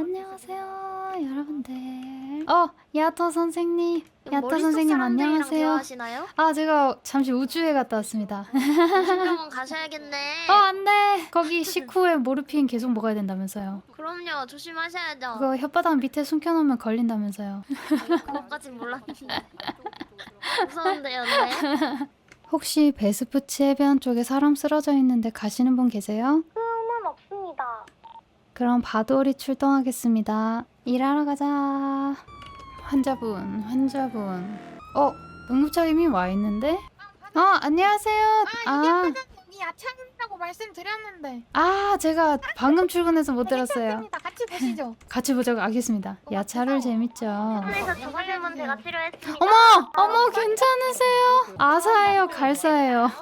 안녕하세요 여러분들. 야토 선생님, 야토 선생님 사람들이랑 안녕하세요. 대화하시나요? 제가 잠시 우주에 갔다 왔습니다. 정신병원 가셔야겠네. 안돼, 거기 식후에 모르핀 계속 먹어야 된다면서요. 그럼요, 조심하셔야죠. 그거 혓바닥 밑에 숨겨놓으면 걸린다면서요. 그것까진 몰랐는데. 무서운데요, 네. 혹시 베스푸치 해변 쪽에 사람 쓰러져 있는데 가시는 분 계세요? 은 없습니다. 그럼 바돌이 출동하겠습니다. 일하러 가자. 환자분. 응급차 이미 와 있는데? 안녕하세요. 여기 야채한다고 말씀드렸는데. 제가 방금 출근해서 못 들었어요. 괜찮습니다. 같이 보시죠. 같이 보자고. 알겠습니다. 야차를 재밌죠. 그래서 죽으시면 제가 치료했습니다. 어머, 괜찮으세요? 아사예요, 갈사예요.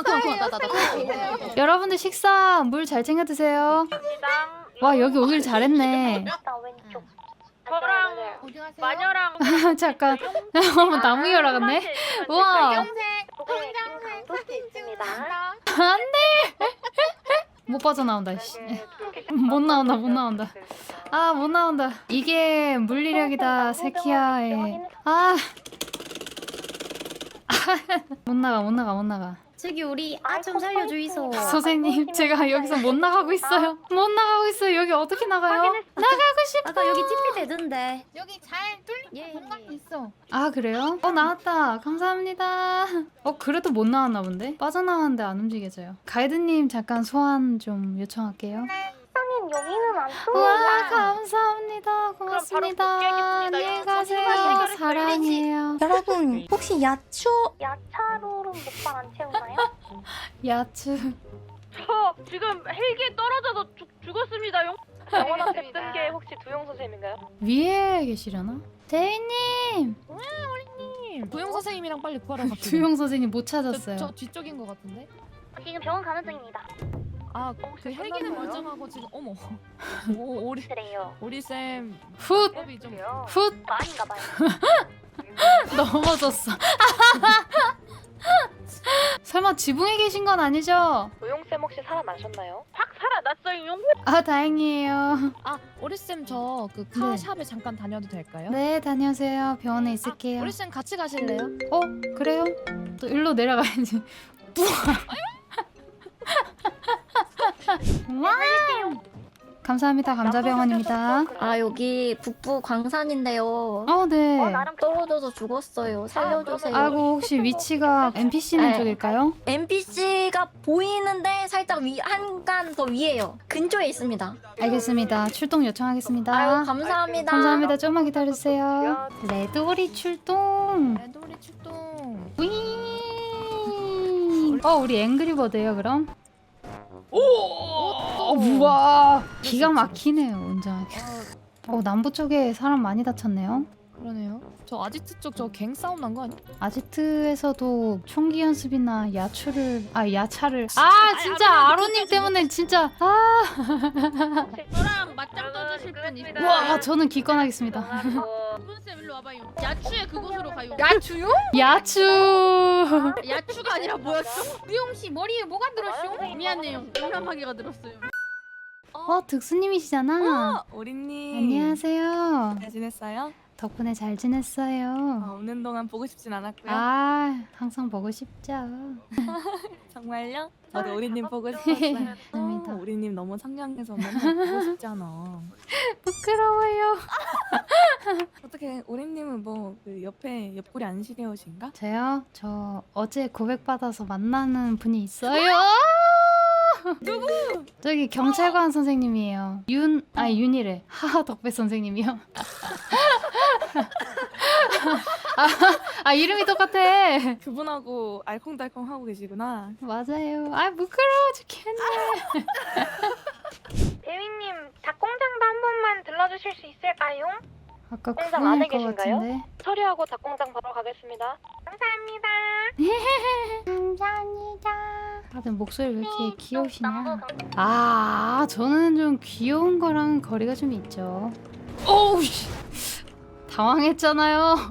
여러분들 식사 물 잘 챙겨 드세요. 와, 여기 오길 잘했네. 나 왼쪽. 저랑 어디 가세요? 마녀랑 잠깐. 어머, 나무 열어갔네. 우와. 검색, 검정색 사진 있습니다. 찍으신다. 못 빠져나온다. 씨. 못 나온다. 못 나온다. 이게 물리력이다, 세키야의. 못 나가. 저기 우리 좀 살려주이소. 선생님, 제가 여기서 못 나가고 있어요. 여기 어떻게 나가요? 나가고 싶어. 아까 여기 TP 되던데. 여기 잘 뚫린 예. 공간이 있어. 그래요? 나왔다. 감사합니다. 그래도 못 나왔나 본데? 빠져나왔는데 안 움직여져요. 가이드님 잠깐 소환 좀 요청할게요. 선생님 여기는 안 우와, 뚫립니다. 감사합니다. 고맙습니다. 복귀하겠습니다. 안녕히 가세요. 수고하셨습니다. 사랑해요. 여러분, 혹시 야추? 야차로는 목발 안 채우나요? 야츠. 저 지금 헬기에 떨어져서 죽었습니다요. 병원 앞에 뜬 게 혹시 두용 선생님인가요? 위에 계시려나? 대위님! 도영 선생님이랑 빨리 구하러 갑시다. 두용 선생님 못 찾았어요. 저 뒤쪽인 것 같은데? 지금 병원 가는 중입니다. 그 헬기는 멀쩡하고 지금 어머. 그래요. 오리 쌤 훗! 법이 좀 훗! 아닌가 봐요. 넘어졌어. 설마 지붕에 계신 건 아니죠? 도용쌤 혹시 살아나셨나요? 확 살아났어요. 다행이에요. 오리 쌤저 그 카샵에 잠깐 다녀도 될까요? 네, 다녀오세요. 병원에 있을게요. 오리 쌤 같이 가실래요? 그래요? 또 일로 내려가야지. 와! 감사합니다. 감자병원입니다. 여기 북부 광산인데요. 네. 나랑 떨어져서 죽었어요. 살려주세요. 아이고, 혹시 위치가 NPC는 네. 쪽일까요? NPC가 보이는데 살짝 한간 더 위에요. 근처에 있습니다. 알겠습니다. 출동 요청하겠습니다. 감사합니다. 감사합니다. 조금만 기다려주세요. 레드오리 출동. 레도리 출동. 윙. 우리 앵그리버드예요, 그럼? 우와, 기가 막히네요, 운전하기. 남부 쪽에 사람 많이 다쳤네요. 그러네요. 저 아지트 쪽 저 갱 싸움 난 거 아니야? 아지트에서도 총기 연습이나 야차를 진짜 아로님 때문에 진짜 저랑 맞짱 떠주실 분 있어요. 와, 저는 기권하겠습니다. 분쌤 일로 와봐요. 야추의 그곳으로 가요. 야추요? 야추. 야추가 아니라 뭐였어? 우영 씨 머리에 뭐가 들었쇼? 미안해요. 용감하게가 들었어요. 득수님이시잖아. 오리님 안녕하세요. 잘 지냈어요? 덕분에 잘 지냈어요. 오는 동안 보고 싶진 않았고요. 항상 보고 싶죠. 정말요? 저도 오리님 보고 싶었어요. 감사합니다. 오리님 너무 상냥해서 맨날 보고 싶잖아. 부끄러워요. 어떻게 오리님은 그 옆에 옆구리 안 시려우신가? 저요? 저 어제 고백받아서 만나는 분이 있어요. 누구? 저기 경찰관 선생님이에요. 윤이래. 덕배 선생님이요. 이름이 똑같아. 그분하고 알콩달콩 하고 계시구나. 맞아요. 부끄러워 죽겠네. 대위님 닭공장도 한 번만 들러주실 수 있을까요? 아까 공장 안에 그분일 것 계신가요? 같은데. 처리하고 닭공장 바로 가겠습니다. 감사합니다. 다들 목소리 왜 이렇게 귀여우시냐? 남부 저는 좀 귀여운 거랑 거리가 좀 있죠. 오우 씨. 당황했잖아요.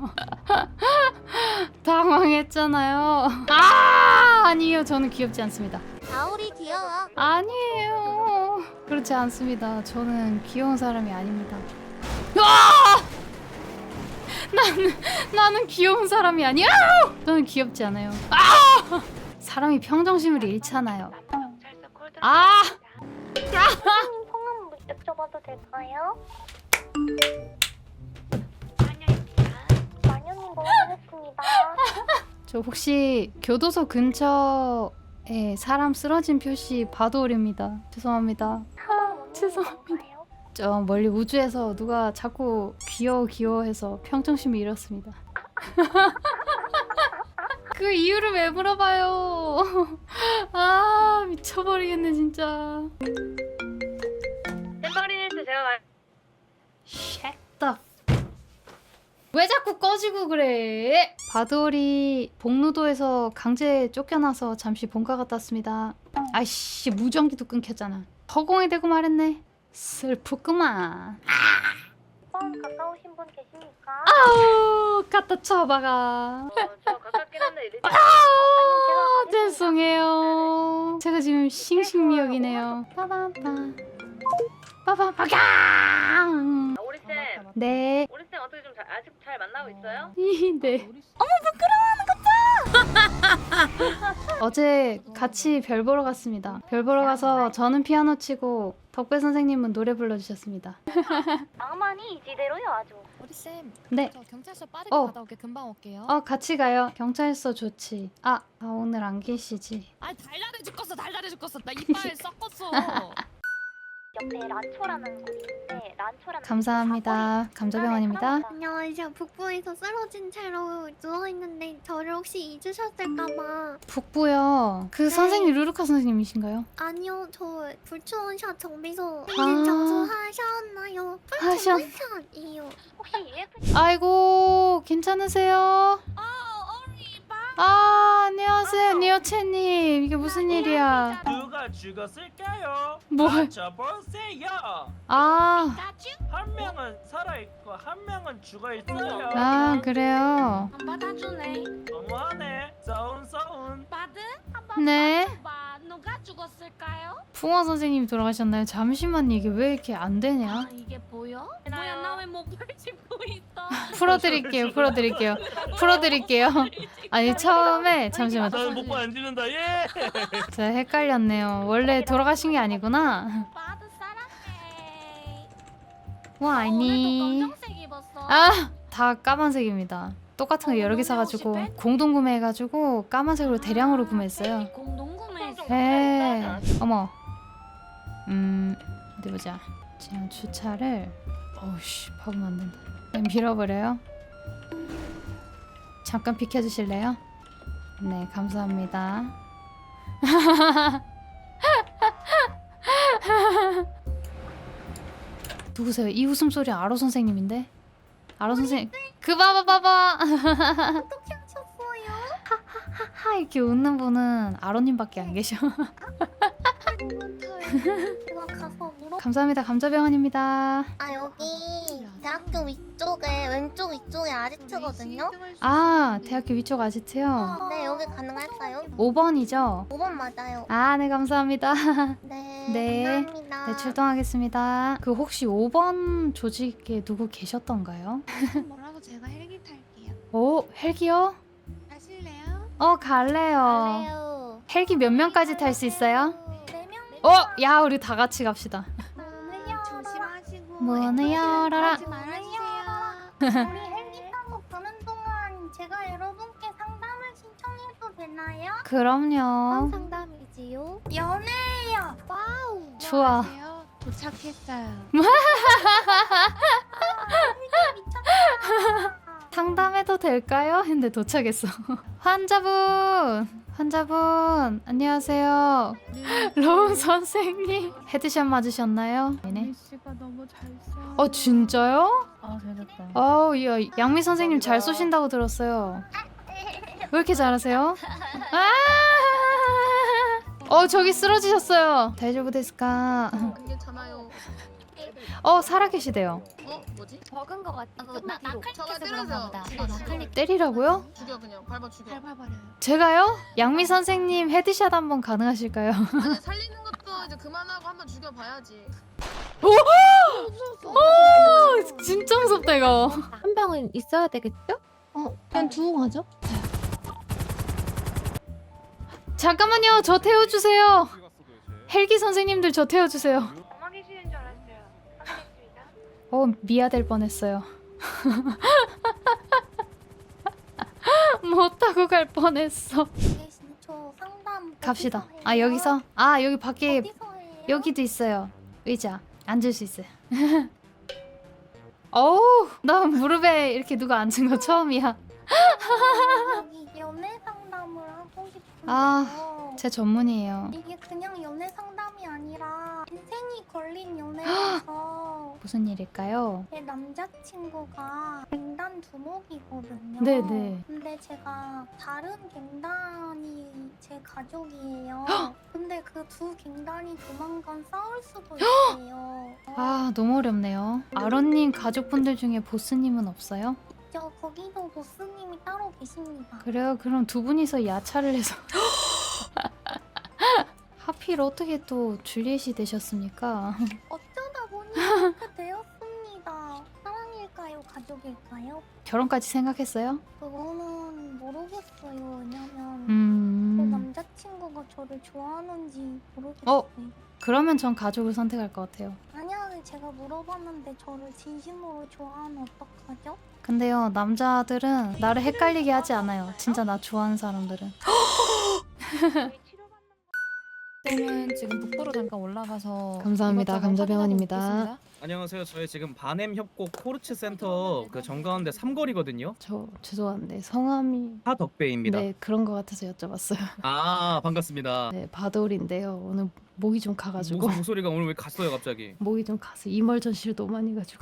아니요, 저는 귀엽지 않습니다. 아우리 귀여워. 아니에요. 그렇지 않습니다. 저는 귀여운 사람이 아닙니다. 아! 나는 귀여운 사람이 아니야. 저는 귀엽지 않아요. 아! 사람이 평정심을 잃잖아요. 경찰서 콜드. 아! 성함 여쭤봐도 될까요? 마녀입니다. 마녀님 고생했습니다. 저 혹시 교도소 근처에 사람 쓰러진 표시 바도올입니다. 죄송합니다. 죄송합니다. 저 멀리 우주에서 누가 자꾸 귀여워해서 평정심을 잃었습니다. 그 이유를 왜 물어봐요? 아 미쳐버리겠네 진짜. 템버리닐스 제가 말. Shut the 왜 자꾸 꺼지고 그래? 바돌이 복루도에서 강제 쫓겨나서 잠시 본가 갔다 왔습니다. 아이씨 무전기도 끊겼잖아. 허공에 대고 말했네. 슬프구만. 번 가까우신 분 계십니까? 아우 갖다 쳐박아. 저 가깝긴 한데 이제. 아 죄송해요. 제가 지금 싱싱미역이네요. 빠바바 빠바바강. 오리 쌤, 네. 오리 쌤 어떻게 좀 아직 잘 만나고 있어요? 네. 어제 같이 별 보러 갔습니다. 별 보러 가서 저는 피아노 치고 덕배 선생님은 노래 불러주셨습니다. 낭만이 이지대로요 아주. 우리 쌤, 네. 저 경찰서 빠르게 어. 갔다 올게. 금방 올게요. 같이 가요. 경찰서 좋지. 아 오늘 안 계시지. 아 달달해 죽겠어, 달달해 죽겠어. 나 이빨 썩었어. 옆에 란초라는 곳이 있는데 란초라는 감사합니다. 감자병원입니다. 안녕하세요. 북부에서 쓰러진 채로 누워있는데 저를 혹시 잊으셨을까봐. 북부요. 그 네. 선생님 루루카 선생님이신가요? 아니요, 저 불초원샷 정비소 아. 있는 장소 하셨나요? 불초원샷이요. 혹시 EF 아이고 괜찮으세요? 안녕하세요 니어채님. 이게 무슨 일이야? 누가 죽었을까요? 뭐? 맞춰보세요. 아 한 명은 살아있고 한 명은 죽어있어요. 그래요. 안 받아주네. 너무하네. 서운. 받은? 네. 봐. 누가 죽었을까요? 붕어 선생님이 돌아가셨나요? 잠시만 이게 왜 이렇게 안 되냐? 아 이게 보여? 뭐야 나 왜 목을 짚고 있어? 풀어드릴게요. 아니 처음에 잠시만 나는 목안 지른다. 예. 제가 헷갈렸네요. 원래 돌아가신 게 아니구나. 받은 사랑해. 와 아니. 오늘도 검정색 입었어. 다 까만색입니다. 똑같은 거 여러 개 사가지고 혹시 공동 구매해가지고 까만색으로 대량으로 구매했어요. 공동구매했어. 에 어머. 어디 보자. 지금 주차를 어우씨 박으면 안 된다. 그냥 밀어버려요. 잠깐 비켜주실래요? 네 감사합니다. 누구세요? 이 웃음소리 아로 선생님인데? 아로 선생님 그 봐봐 어떻게 하셨어요? 하하 이렇게 웃는 분은 아로님밖에 안 계셔. 제가 가서 물어. 감사합니다. 감자병원입니다. 아 여기 대학교 위쪽에 왼쪽 위쪽에 아지트거든요. 아 대학교 위쪽 아지트요? 네 여기 가능할까요? 5번이죠? 5번 맞아요. 아 네 감사합니다. 네. 네. 감사합니다. 네 출동하겠습니다. 그 혹시 5번 조직에 누구 계셨던가요? 뭐라고 제가 헬기 탈게요. 오 헬기요? 가실래요? 갈래요. 갈래요. 헬기 몇 명까지 탈 수 있어요? 4명? 야 우리 다 같이 갑시다. 조심하시고. 문을 열어라. 하지 말아주세요. 우리 헬기 타고 가는 동안 제가 여러분께 상담을 신청해도 되나요? 그럼요. 상담이지요? 연애예요. 와우. 좋아. 도착했어요. 상담해도 될까요? 했는데 도착했어. 환자분 안녕하세요. 로운 선생님 헤드샷 맞으셨나요? 네네. 씨가 너무 잘 써. 진짜요? 아 잘했다. 야 양미 선생님 잘 쏘신다고 들었어요. 왜 이렇게 잘하세요? 저기 쓰러지셨어요. 다이저브 데스까? 괜찮아요. 살아계시대요. 뭐지? 적은 것 같아. 저가 때려서 때리라고요? 죽여 그냥 밟아 죽여. 제가요? 양미 선생님 헤드샷 한번 가능하실까요? 아니 살리는 것도 이제 그만하고 한 한번 죽여봐야지. 진짜 무섭다 이거. 한 병은 있어야 되겠죠? 그냥 두고 가죠. 잠깐만요, 저 태워주세요. 헬기 선생님들 저 태워주세요. 엄마 계시는 줄 알았어요. 알겠습니다. 미아될 뻔했어요. 못 타고 갈 뻔했어. 저 상담 갑시다. 어디서 아 해요? 여기서? 아 여기 밖에 어디서 해요? 여기도 있어요. 의자 앉을 수 있어요. 어우, 나 무릎에 이렇게 누가 앉은 거 처음이야. 여기 연애 상담을 하고 싶은데요. 아, 제 전문이에요. 이게 그냥 연애 상담이 아니라 인생이 걸린 연애라서 무슨 일일까요? 제 남자친구가 갱단 두목이거든요. 네네. 근데 제가 다른 갱단이 제 가족이에요. 근데 그 두 갱단이 조만간 싸울 수도 있어요. 아 너무 어렵네요. 아론님 가족분들 중에 보스님은 없어요? 저 거기도 보스님이 따로 계십니다. 그래요? 그럼 두 분이서 야차를 해서 하필 어떻게 또 줄리엣이 되셨습니까? 어쩌다 보니 그렇게 되었습니다. 사랑일까요? 가족일까요? 결혼까지 생각했어요? 그거는 모르겠어요. 왜냐면 제 남자친구가 저를 좋아하는지 모르겠어요. 그러면 전 가족을 선택할 것 같아요. 만약에 제가 물어봤는데 저를 진심으로 좋아하면 어떡하죠? 근데요, 남자들은 나를 헷갈리게 하지 않아요. 진짜 나 좋아하는 사람들은. 쌤은 지금 북부로 잠깐 올라가서 감사합니다. 이것저것 감자병원입니다. 확인하고 있겠습니다. 안녕하세요. 저희 지금 반엠 협곡 코르츠 센터 그 정가운데 삼거리거든요. 저 죄송한데 성함이 하덕배입니다. 네 그런 거 같아서 여쭤봤어요. 아 반갑습니다. 네 바돌인데요. 오늘 목이 좀 가가지고 목소리가 오늘 왜 갔어요 갑자기? 목이 좀 가서 이멀전시를 너무 많이 가지고.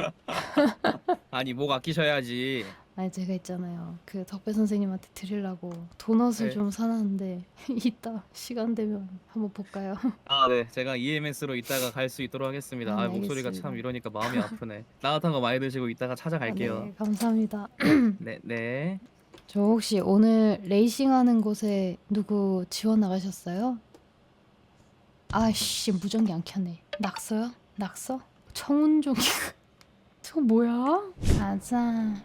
아니 목 아끼셔야지. 아니 제가 있잖아요. 그 덕배 선생님한테 드리려고 도넛을 네. 좀 사놨는데 이따 시간 되면 한번 볼까요? 아 네, 제가 EMS로 이따가 갈 수 있도록 하겠습니다. 네, 목소리가 알겠습니다. 참 이러니까 마음이 아프네. 따뜻한 거 많이 드시고 이따가 찾아갈게요. 네, 감사합니다. 네, 네. 저 혹시 오늘 레이싱하는 곳에 누구 지원 나가셨어요? 아씨 무전기 안 켰네. 낙서요? 낙서? 청운종이 저거 뭐야? 가자.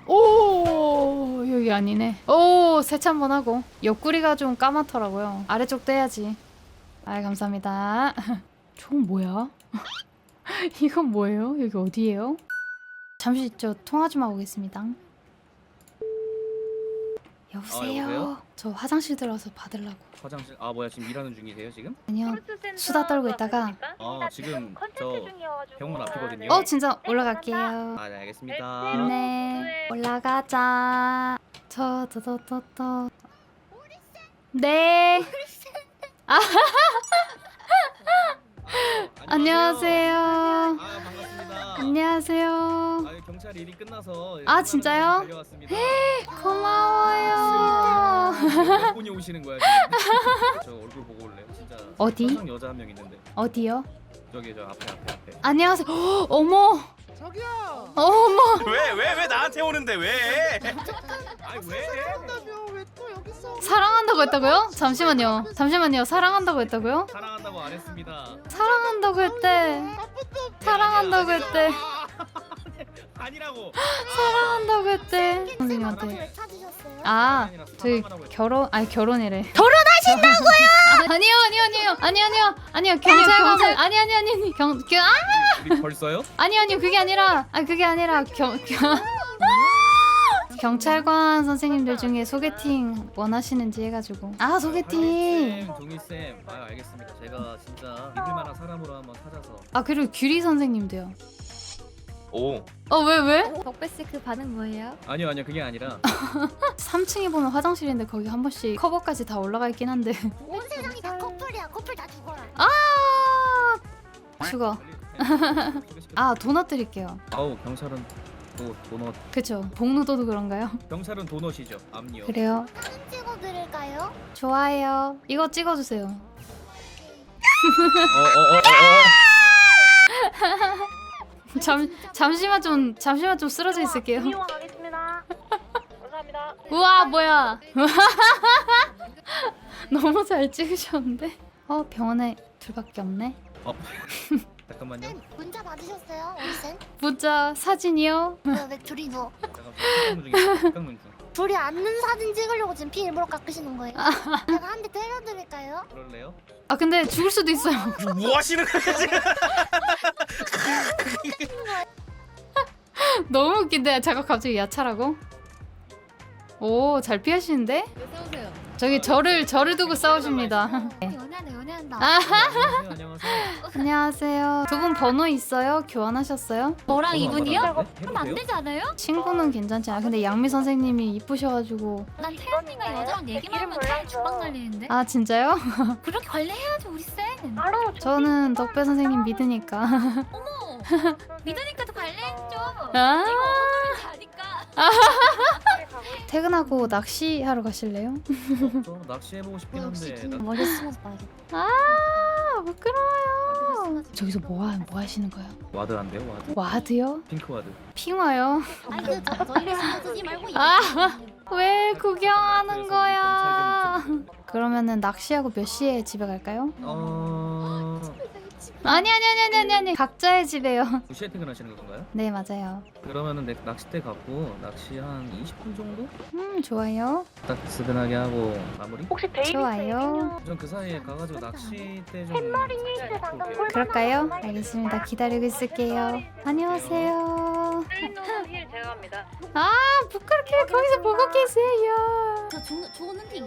오 여기 아니네. 오 세차 한번 하고. 옆구리가 좀 까맣더라고요. 아래쪽도 해야지. 아 감사합니다. 저건 뭐야? 이건 뭐예요? 여기 어디예요? 잠시 저 통화 좀 하고 오겠습니다. 여보세요? 여보세요? 저 화장실 들어서 받으려고. 화장실 아 뭐야 지금 일하는 중이세요 지금? 아니요. 수다 떨고 있다가. 아 지금 저 병원 앞이거든요. 진짜 올라갈게요. 아 네 알겠습니다. 네 올라가자. 저또또또또. 네. 안녕하세요. 아 반갑습니다. 안녕하세요. 아 경찰 일이 끝나서 아, 진짜요? 달려왔습니다. 고마워요. 몇 분이 오시는 거야 지금? 저 얼굴 보고 올래요? 진짜 어디? 화장 여자 한 명 있는데 어디요? 저기 저 앞에. 안녕하세요. 헉, 어머. 저기요. 어머. 왜 나한테 오는데 왜? 아니 왜? 왜또 여기 있어? 사랑한다고 했다고요? 잠시만요. 사랑한다고 했다고요? 사랑한다고 안 했습니다. 사랑한다고 했대. 사랑한다고 했대. 아니라고. 사랑한다고 했대. 선생님한테. 왜 찾으셨어요? 아, 저희 결혼이래. 결혼하신다고요? 아니요. 경찰관은 아니. 우리 벌써요? 아니요. 그게 아니라 경찰관 선생님들 중에 소개팅 원하시는지 해가지고. 아, 소개팅. 동희쌤. 아 알겠습니다. 제가 진짜 믿을만한 사람으로 한번 찾아서. 아, 그리고 규리 선생님도요. 오. 왜? 덕배씨 그 반응 뭐예요? 아니요 그게 아니라 3층에 보면 화장실인데 거기 한 번씩 커버까지 다 올라가 있긴 한데. 온 세상이 다 커플이야. 커플 다 죽어라. 죽어. 아, 도넛 드릴게요. 아우 경찰은 또 도넛. 그쵸. 복루도도 그런가요? 경찰은 도넛이죠. 암니요. 그래요. 사진 찍어드릴까요? 좋아요. 이거 찍어주세요. 잠시만 좀 쓰러져 있을게요. 이용 가겠습니다. 감사합니다. 우와, 뭐야. 너무 잘 찍으셨는데? 병원에 둘밖에 없네. 잠깐만요. 쌤 문자 받으셨어요? 우리 쌤? 문자 사진이요? 왜 둘이 누워? 잠깐만 중. 둘이 앉는 사진 찍으려고 지금 피 일부러 깎으시는 거예요? 제가 한 대 때려드릴까요? 그럴래요? 아 근데 죽을 수도 있어요. 뭐 하시는 거예요 지금? 너무 웃긴데 잠깐 갑자기 야차라고? 오 잘 피하시는데? 세우세요. 저기 저를 두고 싸우십니다. 연애한다. 안녕하세요. 안녕하세요. 안녕하세요. 두 분 번호 있어요? 교환하셨어요? 저랑 이분이요? 그럼 안 되지 않아요? 친구는 괜찮지. 아 근데 양미 선생님이 이쁘셔가지고. 난 태연이가 여자랑 얘기만 하면 태연 주방 날리는데. 아 진짜요? 그렇게 관리해야죠 우리 쌤. 바로 저는 덕배 선생님 믿으니까. 어머. 믿으니까 더 관리했죠. 아 가니까. 퇴근하고 낚시하러 가실래요? 저 낚시해보고 싶긴 역시 한데 긴 머리 숨어서 봐야겠다. 아 부끄러워요. 저기서 뭐 하시는 거예요? 와드 안 돼요? 와드? 와드요? 핑크 와드. 핑화요? 아니 저희를 신경 쓰지 말고 아. 왜 구경하는 그래서 거야? 경찰 좀 그러면은 낚시하고 몇 시에 집에 갈까요? 아니 각자의 집에요. 2시에 퇴근하시는 건가요? 네 맞아요. 그러면은 낚싯대 갖고 낚시 한 20분 정도? 좋아요. 딱 스근하게 하고 마무리? 혹시 데이비스 좋아요. 전 그 사이에 가가지고 낚싯대 좀 햄머리 힐스 방금 콜 그럴까요? 알겠습니다. 기다리고 있을게요. 안녕하세요. 힐 제가 합니다. 아 부끄럽게 거기서 보고 계세요. 저 좋은 핑.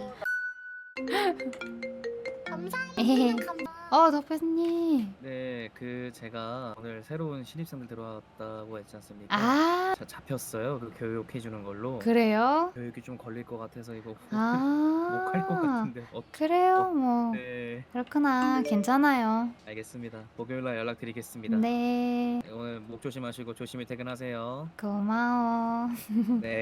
에헤헤. 감사합니다. 덕배님. 네, 그 제가 오늘 새로운 신입생들 들어왔다고 했지 않습니까? 아 잡혔어요. 그 교육해 주는 걸로. 그래요? 교육이 좀 걸릴 것 같아서 이거 아 못 갈 것 같은데. 그래요 뭐 네, 그렇구나 괜찮아요. 알겠습니다. 목요일 날 연락드리겠습니다. 네 오늘 목 조심하시고 조심히 퇴근하세요. 고마워. 네,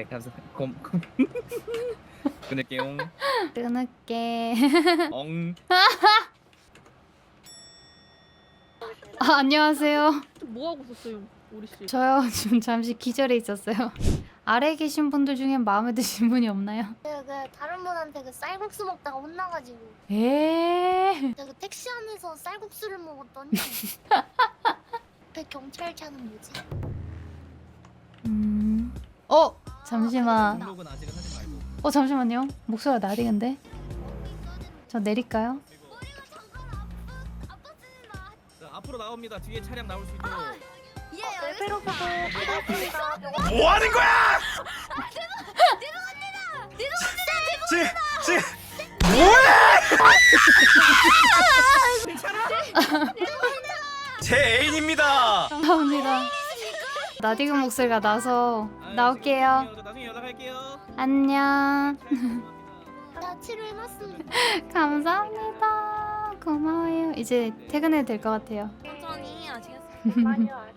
끊을게요. 끊을게. 엉. 아, 안녕하세요. 뭐 하고 있었어요, 우리 씨? 저요 지금 잠시 기절해 있었어요. 아래에 계신 분들 중에 마음에 드신 분이 없나요? 제가 그 다른 분한테 그 쌀국수 먹다가 혼나가지고 에 제가 그 택시 안에서 쌀국수를 먹었더니 그 경찰차는 뭐지? 잠시만. 등록은 아직은 하지 말고. 잠시만요. 목소리가 나리는데. 저 내릴까요? 자, 앞으로 나옵니다. 뒤에 차량 나올 수 있도록. 레벨로서도 받았습니다. 뭐 하는 거야? 지금 뭐해? 제 애인입니다. 감사합니다. 나디그 목소리가 나서 나올게요. 저 나중에 연락할게요. 안녕. 다 치료해놨습니다. 감사합니다. 고마워요. 이제 퇴근해도 될 것 같아요. 천천히 아시겠어요? 많이요.